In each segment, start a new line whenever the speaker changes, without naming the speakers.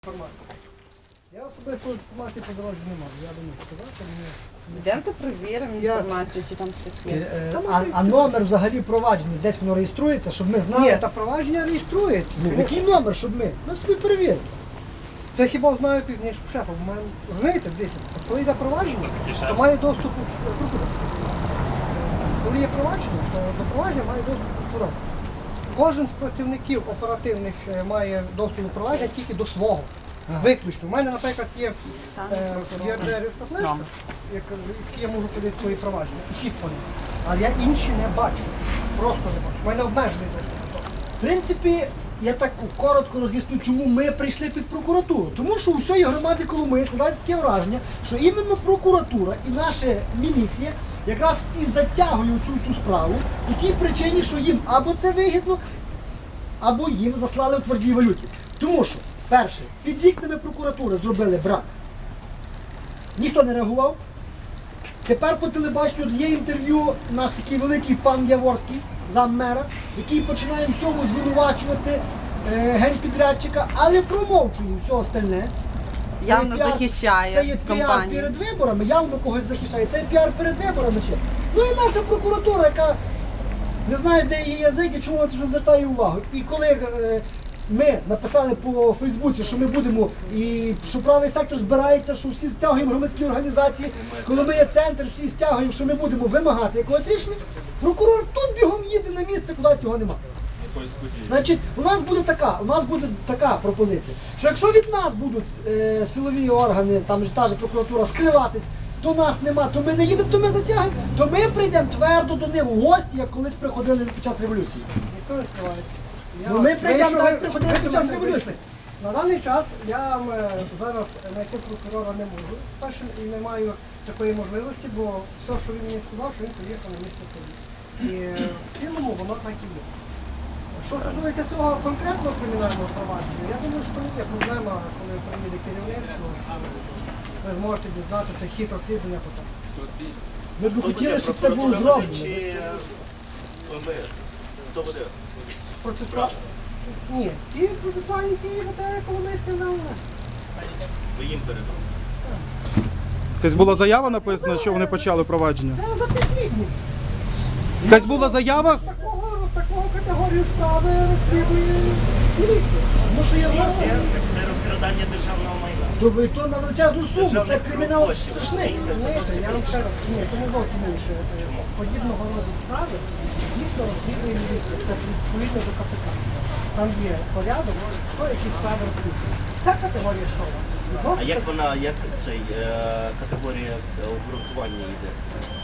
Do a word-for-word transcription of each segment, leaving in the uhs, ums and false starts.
Інформацію. Я особисто інформації по дорозі не можу, я думаю, сказати мені.
Йдемте перевіримо
Я-
інформацію, чи там щось є.
Е, А, а номер взагалі провадження, десь воно реєструється, щоб ми знали.
Ні, та провадження реєструється.
Ну, який номер, щоб ми? Ми собі перевіримо.
Це хіба знаю пізніше шефа. Бо мене- Розумієте, дивіться, коли йде провадження, то має доступ прокурор. Коли є провадження, то до провадження має доступ прокурор. Кожен з працівників оперативних е, має доступ до провадження тільки до свого. Виключно. У мене, наприклад, є е, є джерельська флешка, як я можу подати свої провадження. І хід по ним. Але я інші не бачу. Просто не бачу. У мене обмежений доступ.
В принципі, я так коротко роз'ясню, чому ми прийшли під прокуратуру. Тому що у всієї громади Коломиї складається таке враження, що іменно прокуратура і наша міліція якраз і затягує цю всю справу по тій причині, що їм або це вигідно, або їм заслали у твердій валюті. Тому що, перше, під вікнами прокуратури зробили брак. Ніхто не реагував. Тепер по телебаченню є інтерв'ю наш такий великий пан Яворський, заммера, який починає всьому звинувачувати е, генпідрядчика, але промовчує все остальне. Це
Явно
є піар-
захищає
Це є піар
компанію.
перед виборами, явно когось захищає. Це є піар перед виборами ще. Ну і наша прокуратура, яка не знаю, де її язик і чому вона це звертає увагу. І коли е, ми написали по Фейсбуці, що ми будемо, і що правий сектор збирається, що всі стягуємо громадські організації, коли ми є центр, всі стягуємо, що ми будемо вимагати якогось рішення, прокурор тут бігом їде на місце, кудись його немає. Значить, у нас буде така, у нас буде така пропозиція, що якщо від нас будуть е, силові органи, там ж та ж прокуратура скриватись, то нас нема, то ми не їдемо, то ми затягнемо, то ми прийдемо твердо до них у гості, як колись приходили під час революції.
Ніхто не скривається. Я-
Ну, ми прийдемо,
Вийшов-
так як приходили під час
вийшов-
революції.
На даний час я вам е, зараз знайти прокурора не можу. Перше, і не маю такої можливості, бо все, що він мені сказав, що він поїхав на місце тоді. І е, в цілому воно так і є. Що стосується цього конкретного кримінального провадження, я думаю, що не є проблема, коли приїде керівництво, що ви зможете дізнатися хід розслідування потім.
Ми б хотіли, щоб це було зроблено.
Чи МВС? Хто буде?
Процесуа... Ні, ці процесуальні дії буде Коломийське НАУ.
Ви їм передали?
Тобто була заява написана, що вони почали провадження?
Це за підслідність.
Тобто була заява?
Такого, такого категорію справи розслідує міліція.
Тому що є в нас,
Це, це розкрадання державного майна.
то, то на величезну суму, це
Державний
кримінал
коштів,
страшний.
розумієте? Це
Ні,
зовсім
я вам ще
інше.
раз, ні, це не зовсім інше. Подібного роду справи дійсно розслідує міліція. Це відповідно до КПК. Там є порядок, хто які справи розслідує. Це категорія справи.
А як вона, як цей е, категорія обґрунтування йде?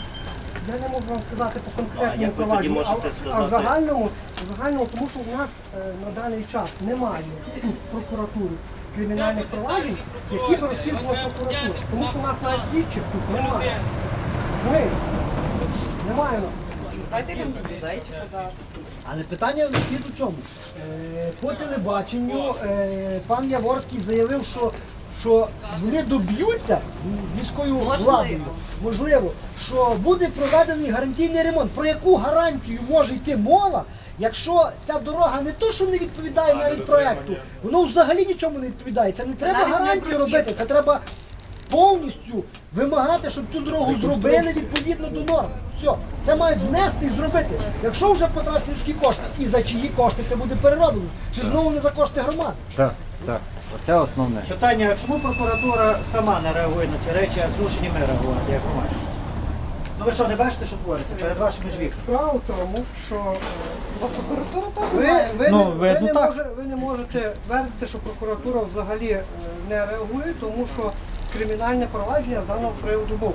Я не можу вам сказати по
А
конкретному
як ви тоді
провадженню,
можете
а,
сказати?
а в загальному, в загальному, тому що у нас е, на даний час немає тут в прокуратурі кримінальних проваджень, які б розслідувала прокуратура. Тому що у нас навіть слідчих тут немає. Розумієте? Немає у нас.
Дайте він людей чи казав.
Але питання слід у чому? Е, по телебаченню е, пан Яворський заявив, що, що вони доб'ються з, з міською
Можливо.
владою, можливо, що буде проведений гарантійний ремонт. Про яку гарантію може йти мова, якщо ця дорога не то, що не відповідає навіть проекту, воно взагалі нічому не відповідає. Це не треба
навіть не
гарантію
бруківка.
робити, це треба повністю вимагати, щоб цю дорогу зробили відповідно до норм. Все, це мають знести і зробити. Якщо вже потрачені людські кошти, і за чиї кошти це буде перероблено? Чи знову не за кошти громади?
Так, так. Оце основне.
Питання, чому прокуратура сама не реагує на ці речі, а змушені ми реагувати як громадськість? Ну ви що, не бачите, що твориться перед вашими ж вікнами?
Справа в тому, що е,
Прокуратура теж
ви,
має.
ви,
Ну,
не, ви,
видно,
не
так.
може, ви не можете твердити, що прокуратура взагалі е, не реагує, тому що кримінальне провадження з даного приводу було.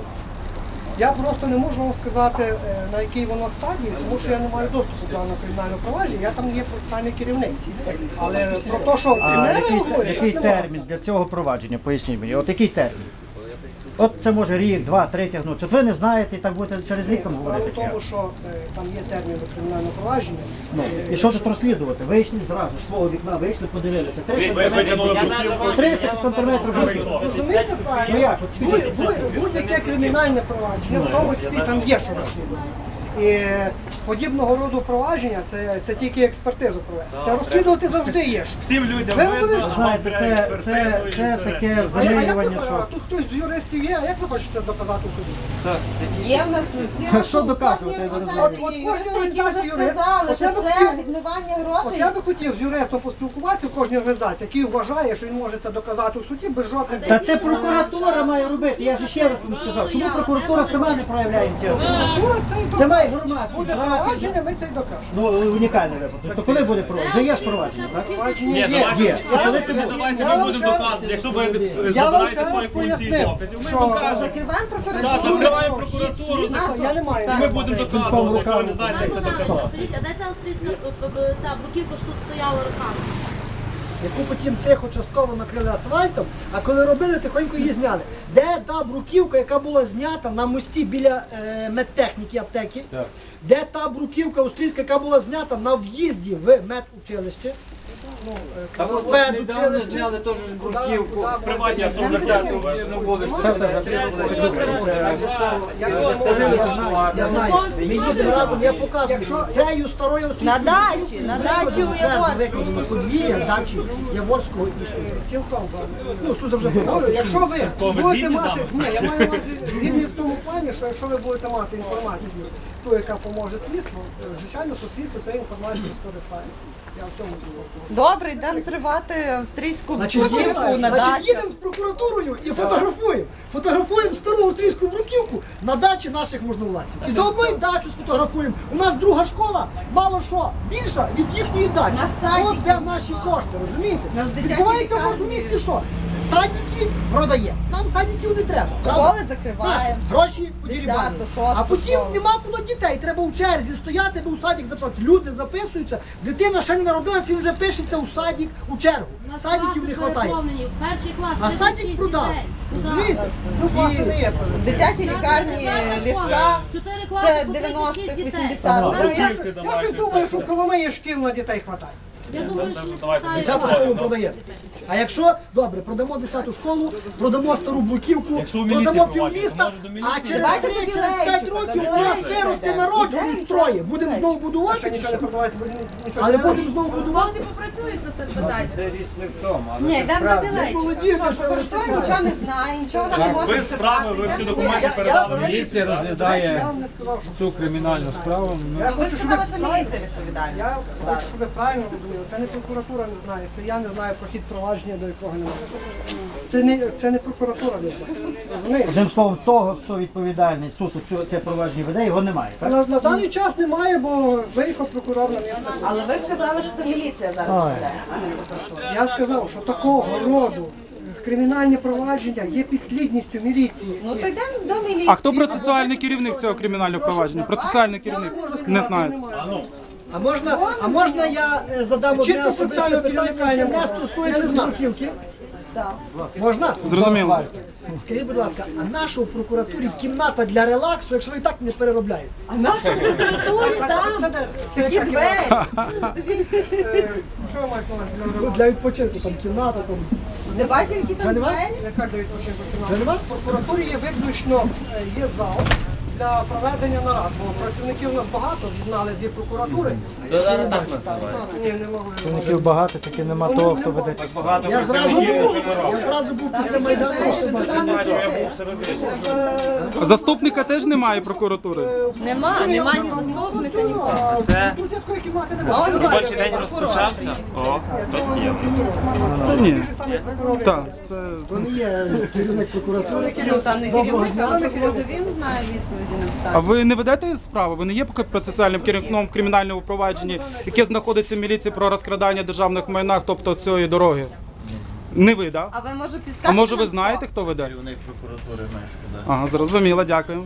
Я просто не можу вам сказати, е, на якій воно стадії, тому що я не маю доступу до даного кримінального провадження, я там є процесуальний керівник. Але про те, що
А
не
який,
реагує,
який
так не можу
термін для цього провадження? Поясніть мені. От який термін? От це може рік, два, три тягнутися. От ви не знаєте і так будете через рік там
Справа
говорити.
в
Чи як?
тому, що е, там є термін до кримінального провадження.
Ну, і що тут розслідувати? Вийшли зразу, з свого вікна вийшли, подивилися. три сантиметри вийшли.
Розумієте
Ну
правильно?
як? От скажіть.
Будь- будь- Будь-яке кримінальне провадження, в тому числі там є що розслідувати. І подібного роду провадження це, це тільки експертизу провести. Це розслідувати завжди є.
Всім людям
Ви
видно,
розумієте?
а
Знаєте,
вам
це,
треба
це,
експертизу,
це
і
таке
А як ви-
замилювання,
а
що...
тут хтось з юристів є, а як ви хочете доказати в суді?
Є в нас ціла
Що доказувати,
кожній
я не розумію.
організації
От- от кожній
юристи, які вже
організації юрист.
сказали,
От
що
я би
це
хотів-
відмивання
От
грошей.
я би хотів з юристом поспілкуватися в кожній організації, який вважає, що він може це доказати в суді без жодних.
Та це прокуратура має робити, я ж ще раз вам сказав. Чому прокуратура сама не проявляє ініціативу?
Прокуратура це і
Це має
докаже.
громадськість
Буде
брати.
провадження, ми це й докажемо.
Ну, унікальний випадок. То коли буде провадження? Вже є ж провадження, так?
Провадження
Ні,
є.
давайте,
є. А коли це
ні,
буде?
давайте
Я
ми
вам
будемо
ще-
доказувати. Якщо ви
Я вам ще
забираєте
раз
свої функції
пояснив,
доказів, ми
що-
доказуємо.
Закриваємо
Так,
прокуратуру.
закриваємо прокуратуру,
Я не маю.
і ми будемо доказувати, якщо ви не знаєте, як це доказати.
Скажіть, а де ця австрійська е, е, ця бруківка, що тут стояла роками?
Яку потім тихо частково накрили асфальтом, а коли робили, тихонько її зняли. Де та бруківка, яка була знята на мості біля е, медтехніки аптеки? Де та бруківка австрійська, яка була знята на в'їзді в медучилище?
Там
в медучилище?
зняли теж ж бруківку.
Приватні особи дякую.
Я знаю, я знаю. Ми їдемо разом, я показую. Цією старою австрійською
На дачі, на дачі у Яворську.
викладено подвір'я дачі Яворського і Слуза.
Цілком.
Ну, Слуза вже
Ну,
подали.
Якщо ви
ви
будете
згідні з
мати,
нами?
ні, я маю на увазі згідні в тому плані, що якщо ви будете мати інформацію, ту, яка поможе слідству, е, звичайно, суспільство цією інформацією скористається. Я в цьому згоден.
Добре, йдемо зривати австрійську
Значить,
бруківку
їдемо,
на
значить,
дачі.
їдемо з прокуратурою і фотографуємо. Фотографуємо стару австрійську бруківку на дачі наших можновладців. І заодно і дачу сфотографуємо. У нас друга школа, мало що, більша від їхньої дачі.
На садики.
От де наші кошти, розумієте?
На дитячі
Відбувається в нас у
лікарні.
місті що? Садики продає. Нам садиків не треба. правда?
Школи закриваємо.
Наші гроші подірібані.
Десяту, шосту
А потім
школу.
нема куди дітей. Треба в черзі стояти, бо у садик записати. Люди записуються. Дитина ще не народилась, він вже пишеться у садик у чергу.
У нас
Садиків не
класи
вистачає.
переповнені. Перший клас,
А
тридцять
садик
шість
продав.
дітей. Куди?
Розумієте?
Ну, власне, не є проблема.
Дитячі лікарні, ліжка,
Чотири класи
це
по тридцять шість
дев'яностих,
дітей.
вісімдесятих.
Ну, Я
Бруківці
ж- я
давайте,
ж думаю,
це
що в
що?
Коломиї шкіл на дітей хватає.
Я думаю, що
давайте,
хватає.
Десяту школу продає. А якщо, добре, продамо десяту школу, продамо стару бруківку,
Якщо в міліції
продамо
проводять,
півміста,
то може до міліції?
а через
Давайте
три,
до
через п'ять
Білейчика,
років
до
у нас
Білейчика
виросте
йдемо.
народ
Йдемо,
устроє.
йдемо.
Будемо знову будувати,
Ще
чи
нічого не
що?
продавати, бо нічого
Але
не
будемо знову будувати.
Хлопці попрацюють над цим питанням.
Це річ не в тому, але
Ні,
це
йдемо до
справді.
Білейчика.
молоді,
Що,
ми ще
Прокуратура нічого не знає, нічого вона не може
Ви справи, ви всі документи передали мені.
Міліція
Я
розглядає
вам не сказав, що
цю кримінальну справу. Ну,
я
Ви
хочу, щоб
сказали,
ви
що
правильно-
міліція відповідальна.
Я хочу, щоб ви правильно розуміли. Це не прокуратура не знає, це я не знаю про хід провадження, до якого немає. Це не, це не прокуратура не знає. Розумієте?
Одним словом, того, хто відповідальний суд у цю- це провадження веде, його немає, так?
На, на даний час немає, бо виїхав прокурор на місце.
Але ви сказали, що це міліція зараз веде, а не прокуратура.
Я сказав, що такого роду кримінальні провадження є підслідністю міліції.
Ну то йдемо до міліції.
А хто процесуальний керівник цього кримінального провадження? Процесуальний керівник? Не знаєте.
А можна, а можна я е, задам одне
Чітко
особисте
соціального
питання,
керівника
яке
я
не
не
стосується
знаю.
бруківки?
Так.
Можна?
Зрозуміло.
Скажіть, будь ласка, а наша в прокуратурі кімната для релаксу, якщо ви і так не переробляєте?
А в нашій прокуратурі там такі двері. Дивіться.
Що ви маєте на увазі для
Ну,
ремонту?
для відпочинку, там кімната, там...
Не бачив, які там
Вже нема?
двері?
Яка для відпочинку
Вже нема?
В прокуратурі є виключно е, є зал для проведення нарад, бо працівників у нас багато, знали дві прокуратури.
То зараз так називають.
Ні, не могли.
Працівників багато, тільки нема того, хто веде.
Багато
Я зразу
працівників
був,
вже не
я
робить.
зразу був після Майдану, ще бачив.
Бачу, я був всередині.
Заступника теж немає прокуратури.
Нема, нема ні заступника, нікого.
Це
Тут якої кімнати
А
немає.
он
робочий день розпочався. О, хтось є.
Це ні.
Ті ж самі прокурори.
Так, це
То не є керівник прокуратури.
Ну там не
Доброго
керівник,
дня.
але може він знає відповіді на
А
питання.
ви не ведете справи? Ви не є поки процесуальним керівником в кримінальному провадженні, яке знаходиться в міліції про розкрадання державних майнах, тобто цієї дороги? Не ви, так?
А ви може підскажете?
А може ви
нам,
знаєте, хто веде?
Керівник прокуратури має сказати.
Ага, зрозуміло, дякую.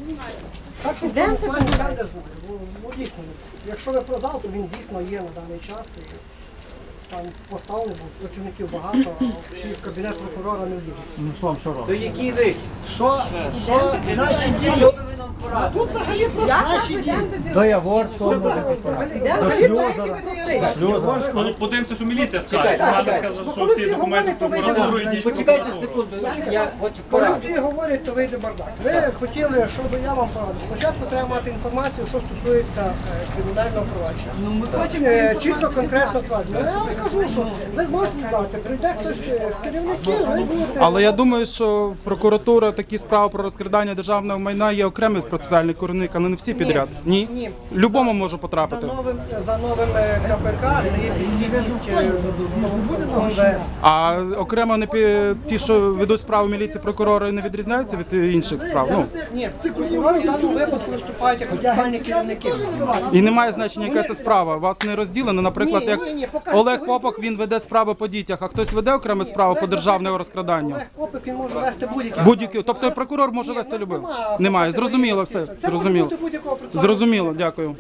Так що в
Ідемо
цьому
ти
плані
до
я
мене.
не знаю. Ну, ну, дійсно, якщо ви про зал, то він дійсно є на даний час. І там поставлений, бо працівників багато, а всі в кабінет прокурора не влізуть.
Ну, словом, що
То
робить?
який вихід?
Що, що наші дії,
пораду.
Тут взагалі просто
Я
Наші
кажу,
діти.
йдемо до
До
білого.
Яворського може бути.
Йдемо до бібліотеки, видаємо.
Ну, подивимося, що міліція скаже.
Чекайте,
Вона
чекайте.
скаже,
Ну,
що
коли
всі
всі
документи в
говорять, то
прокуратуру
вийде
йдіть.
Почекайте секунду, я хочу
Коли
пораду.
всі говорять, то вийде бардак. Ви хотіли, щоб я вам порадив. Спочатку треба мати інформацію, що стосується е, кримінального провадження.
Ну, ми хочемо
Е, Чітко, конкретно провадження. Я вам кажу, що ви зможете дізнатися, прийде хтось е, з керівників, ви будете...
Але я думаю, що прокуратура такі справи про розкрадання державного майна є окремий процесуальний керівник, але не всі підряд. Ні?
Ні.
Любому може
За
потрапити.
новим, за новим е, КПК це є підслідність е, ОМВС.
А окремо не пі- ті, що ведуть справу міліції, прокурори, не відрізняються від інших справ. Ну
Ні, прокурори в даному випадку виступають як офіційні керівники.
і немає значення, яка це справа. Вас не розділено. Наприклад,
Ні,
як
ні, ні, покажіть.
Олег Попок, він веде справи по дітях, а хтось веде окрему справу по державному розкраданню.
Олег Попик, він може вести будь-які.
Будь-які, тобто і прокурор може вести любив. Немає. Зрозуміло все. Зрозуміло. Зрозуміло, дякую.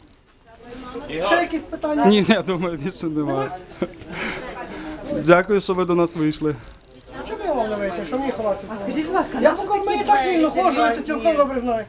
Ще якісь питання?
Ні, я думаю, більше немає. Дякую, що ви до нас вийшли.
Чому я вам не вийти? Що мені ховатися?
Скажіть, будь ласка,
Я
нащо
поки в мене
такі
так
двері
вільно ходжу, я це
серйозні?
цілком добре знаю.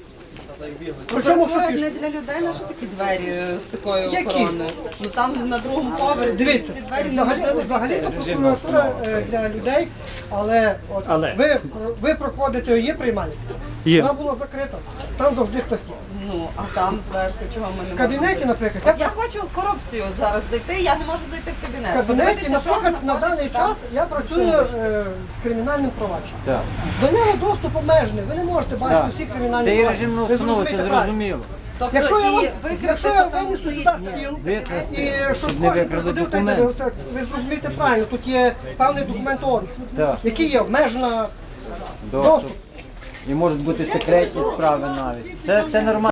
Причому що
Прокурор
фішка?
не для людей, на що такі двері е, з такою
Які?
охороною? Ну там на другому поверсі
Дивіться,
ці двері
взагалі,
неможливо
взагалі
відкрити.
прокуратура е, для людей, але, от,
Але.
Ви, ви проходите, є приймальня?
Є.
Вона була закрита, там завжди хтось є.
Ну, а там зверху чого ми не
В кабінеті,
можемо?
наприклад,
От я хочу корупцію зараз зайти, я не можу зайти в кабінет.
в кабінеті,
Подивитися, що
наприклад, на
знаходиться
даний
там.
час я працюю е, з кримінальним провадженням.
Так.
До нього доступ обмежений, ви не можете бачити
Так.
всі кримінальні
Це є
провадження.
режимна
Ви
установа, це
зрозумієте правильно.
зрозуміло.
Тобто
Якщо я
і
вам-
викрити,
якщо
що
я
там
винесу
стоїть
сюди стіл,
Викрасти,
І щоб
щоб не
кожен
викрали
приходив, так
документ.
дивився, ви зрозумієте правильно, тут є певний документ органу,
Так.
який є обмежена
Доступ.
доступ.
І можуть бути секретні справи навіть. Це, це нормально.